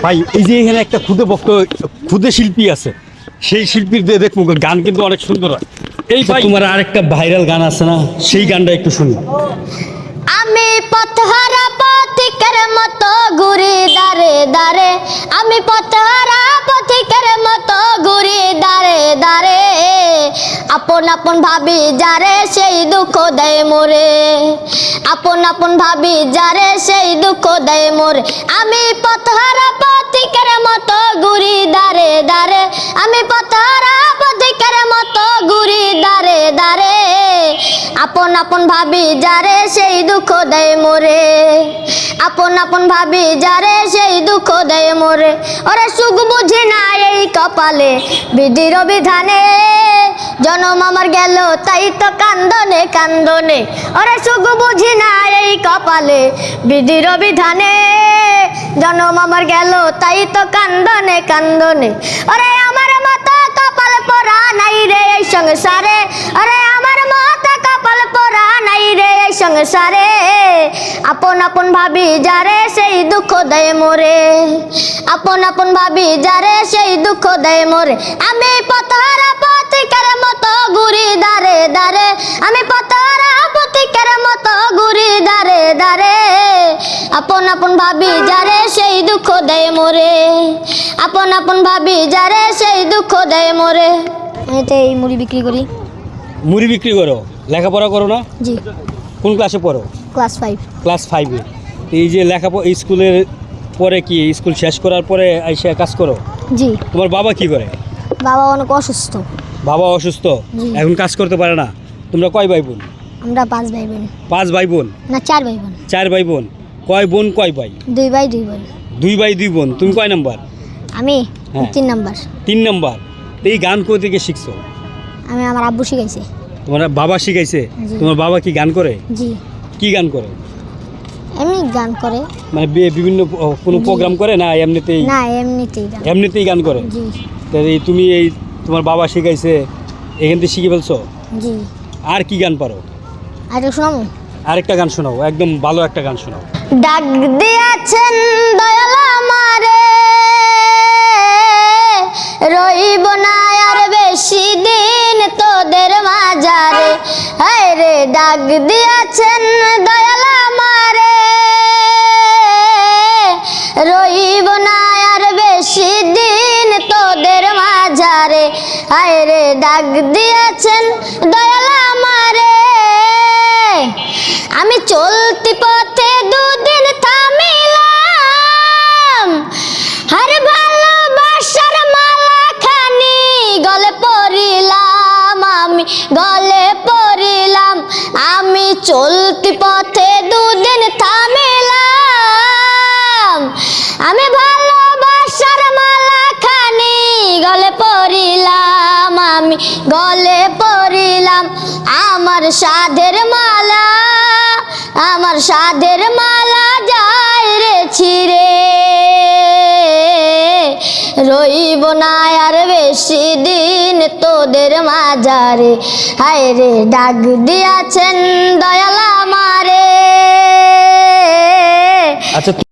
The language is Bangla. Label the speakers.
Speaker 1: ভাই এই যে এখানে একটা ক্ষুদে শিল্পী আছে, সেই শিল্পীর দিয়ে দেখবো গান কিন্তু অনেক সুন্দর হয়। এই ভাই তোমার আরেকটা ভাইরাল গান আছে না, সেই গানটা একটু শুনি।
Speaker 2: আমি পথহারা পথিকের মতো ঘুরি দারে দারে, আমি পথহারা পথিকের মতো ঘুরি দারে দারে, আপন আপন ভাবি যারে সেই দুঃখ দেয় মোরে, আপন আপন ভাবি যারে সেই দুঃখ দেয় মোরে। আমি পথহারা পথিকের মতো ঘুরি দারে দারে, আমি পথহারা পথিকের মতো ঘুরি দারে দারে, আপন আপন ভাবি যারে সেই দুঃখ দেয় মোরে, আপন আপন ভাবি যারে সেই দুঃখ দেয় মোরে। ওরে সুখ বুঝি না এই কপালে বিধির বিধানে, জনম আমার গেল তাই তো কান্দনে কান্দনে, ওরে সুখ বুঝি না এই কপালে বিধির বিধানে, জনম আমার গেল তাই তো কান্দনে কান্দনে। ওরে আমার মাথা কপাল পরা নাই রে এই সংসারে, ওরে আমার মাথা কপাল পরা নাই রে এই সংসারে, আপন আপন ভাবি যারে সেই দুঃখ দেয় মোরে, আপন আপন ভাবি যারে সেই দুঃখ দেয় মোরে। আমি পথহারা পথিকের মতো ঘুরি দারে দারে, আমি পথহারা পথিকের মতো ঘুরি দারে দারে, আপন আপন ভাবি যারে সেই দুঃখ দেয় মোরে, আপন আপন ভাবি যারে সেই দুঃখ দেয় মোরে। এতে এই মুড়ি বিক্রি করি।
Speaker 1: মুড়ি বিক্রি করো, লেখাপড়া করো না?
Speaker 2: জি।
Speaker 1: কোন ক্লাসে পড়ো?
Speaker 2: ক্লাস 5।
Speaker 1: ক্লাস 5-এ। এই যে লেখাপড়া স্কুলের পরে কি স্কুল শেষ করার পরে এসে কাজ করো?
Speaker 2: জি।
Speaker 1: তোমার বাবা কি করে?
Speaker 2: বাবা অনেক অসুস্থ।
Speaker 1: বাবা অসুস্থ,
Speaker 2: জি।
Speaker 1: এখন কাজ করতে পারে না। তোমরা কয় ভাই বোন?
Speaker 2: আমরা 5 ভাই বোন।
Speaker 1: 5 ভাই বোন?
Speaker 2: না 4 ভাই বোন।
Speaker 1: 4 ভাই বোন। কয় বোন কয় ভাই?
Speaker 2: 2 ভাই 2 বোন।
Speaker 1: 2 ভাই 2 বোন। তুমি কয় নাম্বার?
Speaker 2: আমি
Speaker 1: হ্যাঁ।
Speaker 2: 3 নাম্বার।
Speaker 1: 3 নাম্বার। তো এই গান কোথা থেকে শিখছো?
Speaker 2: আমি আমার আব্বু শিখাইছে।
Speaker 1: তোমার বাবা শিখাইছে?
Speaker 2: জি।
Speaker 1: তোমার বাবা কি গান করে?
Speaker 2: জি।
Speaker 1: কি গান করে?
Speaker 2: এমনি গান করে।
Speaker 1: মানে বিভিন্ন কোনো প্রোগ্রাম করে না এমনিতেই?
Speaker 2: না এমনিতেই গান।
Speaker 1: এমনিতেই গান করে।
Speaker 2: জি।
Speaker 1: তো এই তুমি এই তোমার বাবা শিখাইছে, এখান থেকে শিখে ফেলছো?
Speaker 2: জি।
Speaker 1: আর কি গান পারো?
Speaker 2: আর শোনাবো?
Speaker 1: আরেকটা গান শোনাও, একদম ভালো একটা গান শোনাও।
Speaker 2: ডাক দিয়াছেন দয়াল আমারে, রইব না আর বেশি দিন তোদের মাঝারে, হায় রে ডাক দিয়াছেন দয়াল আমারে, রইব না আর বেশি দিন তোদের মাঝারে, হায় রে ডাক দিয়াছেন দয়াল আমারে। আমি চলতি পথে দুদিন থামিলাম, আর ভালোবাসার মালা খানি গলে পরিলাম, আমি গলে পরিলাম। আমি চলতি পথে দুদিন থামিলাম, আমি ভালোবাসার মালা খানি গলে পরিলাম, আমি গলে পরিলাম। আমার সাধের মালা, আমার সাধের মালা যায় রে ছিঁড়ে, রইব না আর বেশি দিন তোদের মাঝারে, হায় রে ডাক দিয়াছেন দয়াল আমারে।
Speaker 1: আচ্ছা।